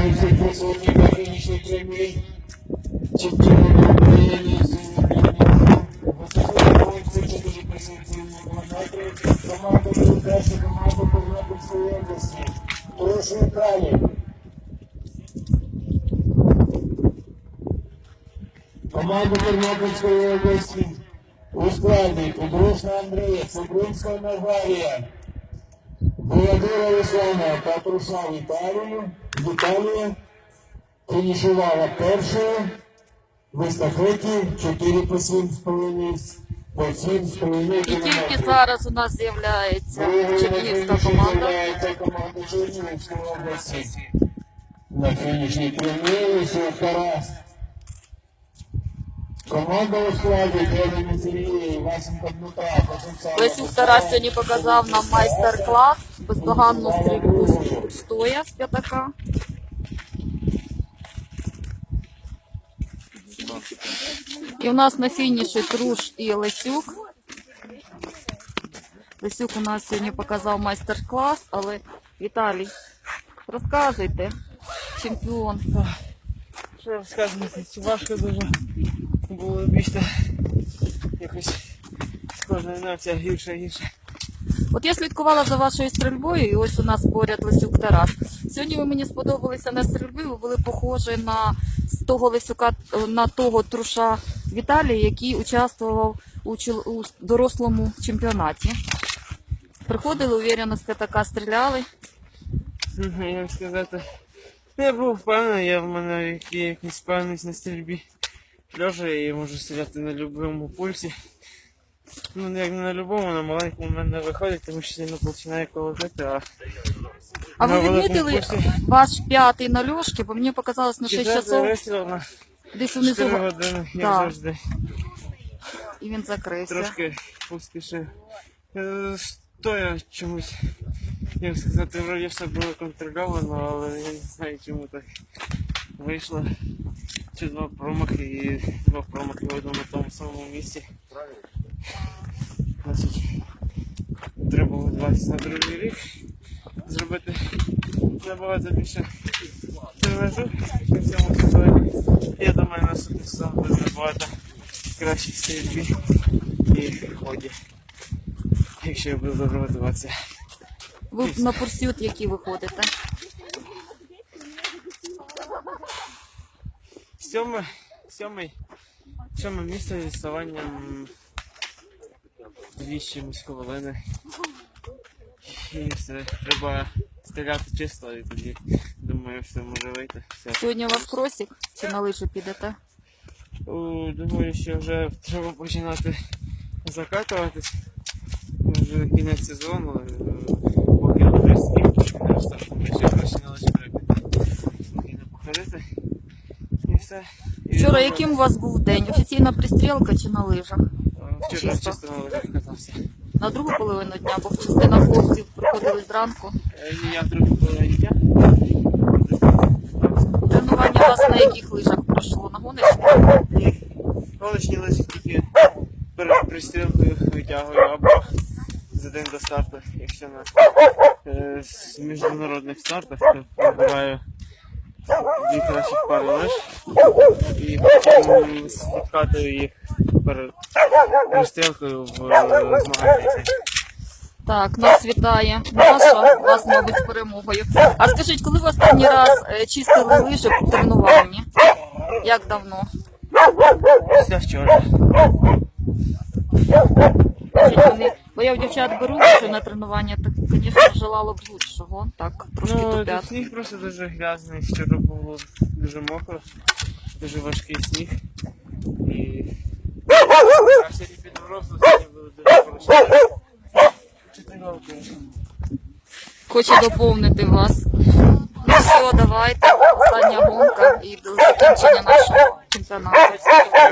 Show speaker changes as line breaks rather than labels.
Вітаю всіх присутніх на фінішній прямій. Чемпіон України з високої позиції позиції метрів. Команда перша команда Тернопільської області. Прошу далі. Команда Тернопільської області у складі Подружна Андрія, Цибринська Назарія, Володимира Руслана та Труша Віталія фінішувала першою в естафеті 4 по 7,5 по 7,5
І тільки зараз у нас з'являється чернігівська команда.
Команда Чернігівської області. На фінішній прямій Тарас. Команда у складі Кевіна Сергія і Васенка Дмитра.
Лесюк Тарас сьогодні показав нам майстер-клас, бездоганну стрільбу стоя з п'ятака. І у нас на фініші Труш і Лесюк. Лесюк у нас сьогодні показав майстер-клас, але Віталій, розказуйте, чемпіон.
Що розказувати, чи важко дуже було більше якось з кожної ночі гірше і гірше.
От я слідкувала за вашою стрільбою, і ось у нас поряд Лесюк Тарас. Сьогодні ви мені сподобалися на стрільбі, ви були похожі на того Лесюка, на того Труша Віталія, який участвував у дорослому чемпіонаті. Приходили, уверено, з п'ятака стріляли.
Як сказати, я був впевнений, в мене є якась впевненість на стрільбі. Льожа, я можу стріляти на будь-якому пульсі. Ну, як не на будь-якому, на маленькому в мене не виходить, тому що сильно починає колотити,
А ви відмітили ваш п'ятий на Льошки, бо мені показалось на 6 часов.
Вистріл на
Десь унизу.
4 години, як
Так.
завжди.
І він закрився.
Трошки поспішив. Стоя чомусь, як сказати, вроді все було контрольовано, але я не знаю, чому так вийшло. Чи два промахи в одному тому самому місці. Значить, треба було 20 на другий рік зробити набагато більше тренажу в цьому сезоні. Я думаю, наступний сезон буде набагато краще в стрільбі і ході, якщо я буду добре готуватися.
Ви на пурсют які виходите?
Сьоме місце з відставанням 2 чимось хвилини. І все, треба стріляти чисто, і тоді, думаю, все може вийти. Все.
Сьогодні у вас кросик чи на лижі підете?
Думаю, що вже треба починати закатуватись. Вже кінець сезону, поки вже скільки не розташуємо, ще краще на лижі треба піти, поки не походити. І все. І
Вчора яким у вас був день? Офіційна пристрілка чи на лижах?
Вчора чисто на лижах катався.
На другу половину дня, бо частина хлопців приходили зранку.
Я в другу половині дня.
Тренування у вас на яких лижах пройшло? На гоночних?
Колишні лижі тільки перед пристрілкою витягую або за день до старту, якщо на міжнародних стартах, то вибираю 2 кращих пари лиж і потім відкатую їх перед пристрілкою в змаганні.
Так, нас вітає Маша, вас, мабуть, з перемогою. А скажіть, коли ви останній раз чистили лижі по тренуванні? Як давно?
Після вчора.
Скажіть, бо я в дівчат беру лижі на тренування, так, звісно, желало б лучшого. Так, трошки тупят.
Сніг просто дуже грязний, вчора було дуже мокро, дуже важкий сніг. І сьогодні підросло, сьогодні було дуже хорошо. 4 роки.
Хочу доповнити вас. Ну все, давайте. Остання гонка і до закінчення нашого чемпіонату.